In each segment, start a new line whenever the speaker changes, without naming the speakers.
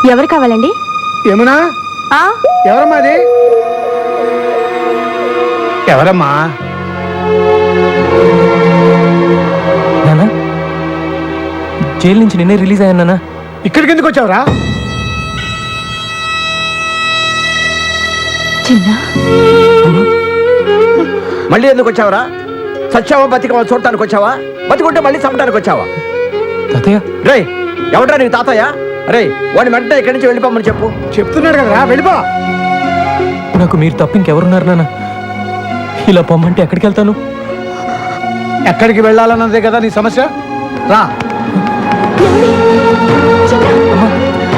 ఎవరు కావాలండి?
యమునా, ఎవరమ్మా అది? ఎవరమ్మా?
నానా, జైలు నుంచి నిన్నే రిలీజ్ అయ్యాను నానా.
ఇక్కడికి ఎందుకు వచ్చావురా?
చిన్న
మళ్ళీ ఎందుకు వచ్చావరా? సచ్చావా బతికవా చూడటానికి వచ్చావా? బతికుంటే మళ్ళీ చంపడానికి వచ్చావా?
తాతయ్య,
రే ఎవడ్రా నీకు తాతయ్య? రే వాడిని వెంటనే ఇక్కడి నుంచి వెళ్ళిపోమని చెప్పు.
చెప్తున్నాడు కదరా, వెళ్ళిపో.
నాకు మీరు తప్ప ఇంకెవరున్నారు నాన్న? ఇలా పొమ్మంటే ఎక్కడికి వెళ్తాను?
ఎక్కడికి వెళ్ళాలన్నదే కదా నీ సమస్య. రా.
అమ్మా,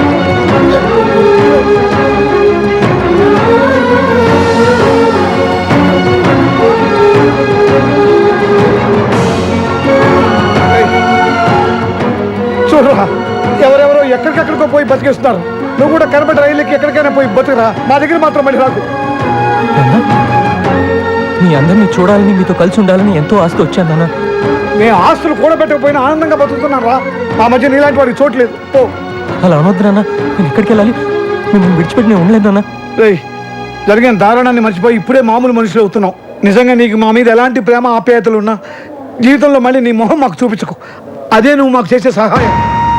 చూడరా, ఎవరెవరో ఎక్కడికెక్కడికో పోయి బతికేస్తున్నారు. నువ్వు కూడా కనబడి రైలుకి ఎక్కడికైనా పోయి బతుకురా. మా దగ్గర మాత్రం మళ్ళీ రాకు.
నాన్న, మీ అందరినీ చూడాలని మీతో కలిసి ఉండాలని ఎంతో ఆస్తి వచ్చాను నాన్న.
మేము ఆస్తులు కూడబెట్టకపోయినా ఆనందంగా బతుకుతున్నాం రా. మా మధ్య నీలాంటి వాడికి చోట్లేదు. ఓ
అలా అనొద్దు నాన్న, నేను ఎక్కడికి వెళ్ళాలి? మిమ్మల్ని విడిచిపెట్టి నేను ఉండలేదు నాన్న.
రేయ్, జరిగిన దారుణాన్ని మర్చిపోయి ఇప్పుడే మామూలు మనుషులు అవుతున్నావు. నిజంగా నీకు మా మీద ఎలాంటి ప్రేమ ఆప్యాయతలు ఉన్నా జీవితంలో మళ్ళీ నీ మొహం మాకు చూపించకు. అదే నువ్వు మాకు చేసే సహాయం.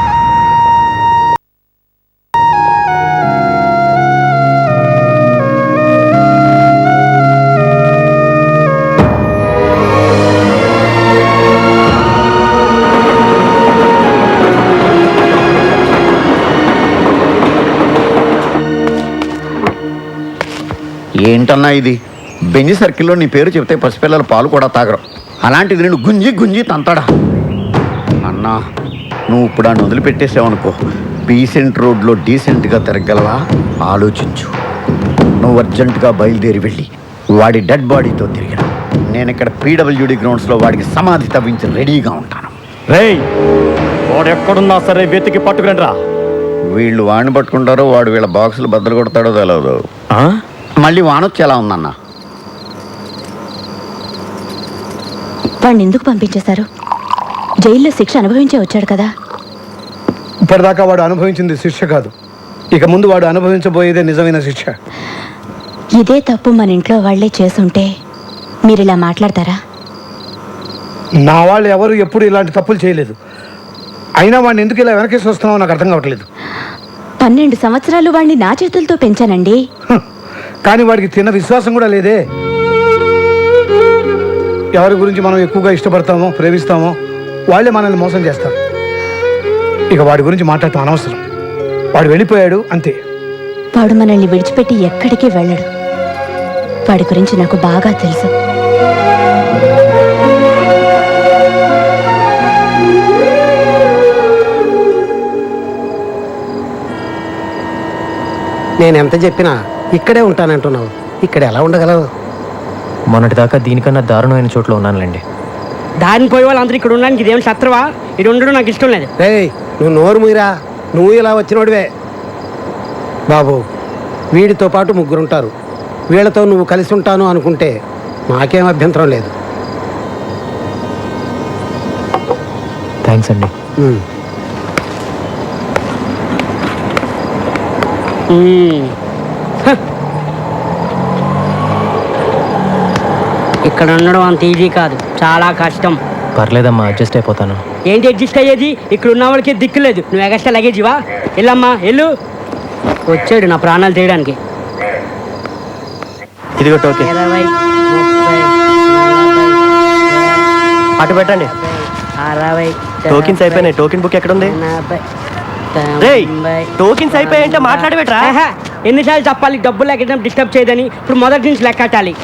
ఏంటన్నా ఇది? బెంజి సర్కిల్లో నీ పేరు చెప్తే పసిపిల్లల పాలు కూడా తాగరు. అలాంటిది నేను గుంజి గుంజి తంతాడా? అన్నా, నువ్వు ఇప్పుడు ఆయన వదిలిపెట్టేసావనుకో, డీసెంట్ రోడ్లో డీసెంట్గా తిరగలవా? ఆలోచించు. నువ్వు అర్జెంటుగా బయలుదేరి వెళ్ళి వాడి డెడ్ బాడీతో తిరిగిన నేను ఇక్కడ పీడబ్ల్యూడి గ్రౌండ్స్లో వాడికి సమాధి తవ్వించి రెడీగా ఉంటాను.
రేయ్, వాడు ఎక్కడున్నా సరే వెతికి పట్టుకురండి రా.
వీళ్ళు వాడిని పట్టుకుంటారో వాడు వీళ్ళ బాక్సులు బద్దలు కొడతాడో తెలియదు. మళ్ళీ వానొచ్చి ఎలా ఉందన్నా?
వాడిని ఎందుకు పంపించేశారు? జైల్లో శిక్ష అనుభవించే వచ్చాడు కదా.
ఇప్పటిదాకా వాడు అనుభవించింది శిక్ష కాదు, ఇక ముందు వాడు అనుభవించబోయేదే నిజమైన శిక్ష.
ఇదే తప్పు మన ఇంట్లో వాళ్లే చేసుంటే మీరు ఇలా మాట్లాడతారా?
నా వాళ్ళు ఎవరు ఎప్పుడు ఇలాంటి తప్పులు చేయలేదు. అయినా వాడిని ఎందుకు ఇలా వెనకేసి వస్తున్నావో నాకు అర్థం కావట్లేదు.
12 సంవత్సరాలు వాడిని నా చేతులతో పెంచానండి.
కానీ వాడికి తిన్న విశ్వాసం కూడా లేదే. ఎవరి గురించి మనం ఎక్కువగా ఇష్టపడతామో ప్రేమిస్తామో వాళ్ళే మనల్ని మోసం చేస్తారు. ఇక వాడి గురించి మాట్లాడటం అనవసరం. వాడు వెళ్ళిపోయాడు అంతే.
వాడు మనల్ని విడిచిపెట్టి ఎక్కడికి వెళ్ళడు. వాడి గురించి నాకు బాగా తెలుసు.
నేను ఎంత చెప్పినా ఇక్కడే ఉంటానంటున్నావు. ఇక్కడ ఎలా ఉండగలవు?
మొన్నటిదాకా దీనికన్నా దారుణమైన చోట్ల ఉన్నానులేండి.
దారిని పోయే వాళ్ళందరూ ఇక్కడ ఉండడానికి ఇదేం శత్రువా? ఇక్కడ ఉండడం నాకు ఇష్టం లేదు.
రేయ్, నువ్వు నోరు మూయరా. నువ్వు ఇలా వచ్చినోడివే. బాబు, వీడితో పాటు 3 ఉంటారు. వీళ్ళతో నువ్వు కలిసి ఉంటాను అనుకుంటే నాకేం అభ్యంతరం లేదు.
థ్యాంక్స్ అండి.
ఇక్కడ ఉండడం అంత ఈజీ కాదు, చాలా కష్టం.
పర్లేదమ్మా, అడ్జస్ట్ అయిపోతాను.
ఏంటి అడ్జస్ట్ అయ్యేది? ఇక్కడ ఉన్న వాళ్ళకి దిక్కు లేదు. నువ్వు ఎగస్ట్రా లగేజివా? వెళ్ళమ్మా వెళ్ళు. వచ్చాడు నా ప్రాణాలు తీయడానికి.
ఇదిగో టోకెన్.
20, 30, 40,
అటు పెట్టండి.
60,
టోకెన్స్ అయిపోయినాయి. టోకెన్ బుక్ ఎక్కడ ఉంది?
80,
రేయ్,
90.
టోకెన్స్ అయిపోయాయంటే మాట్లాడబెట్రా.
ఎన్నిసార్లు చెప్పాలి డబ్బులు లెక్కడం డిస్టర్బ్ చేయదని? ఇప్పుడు మొదటి నుంచి లెక్కటాలి.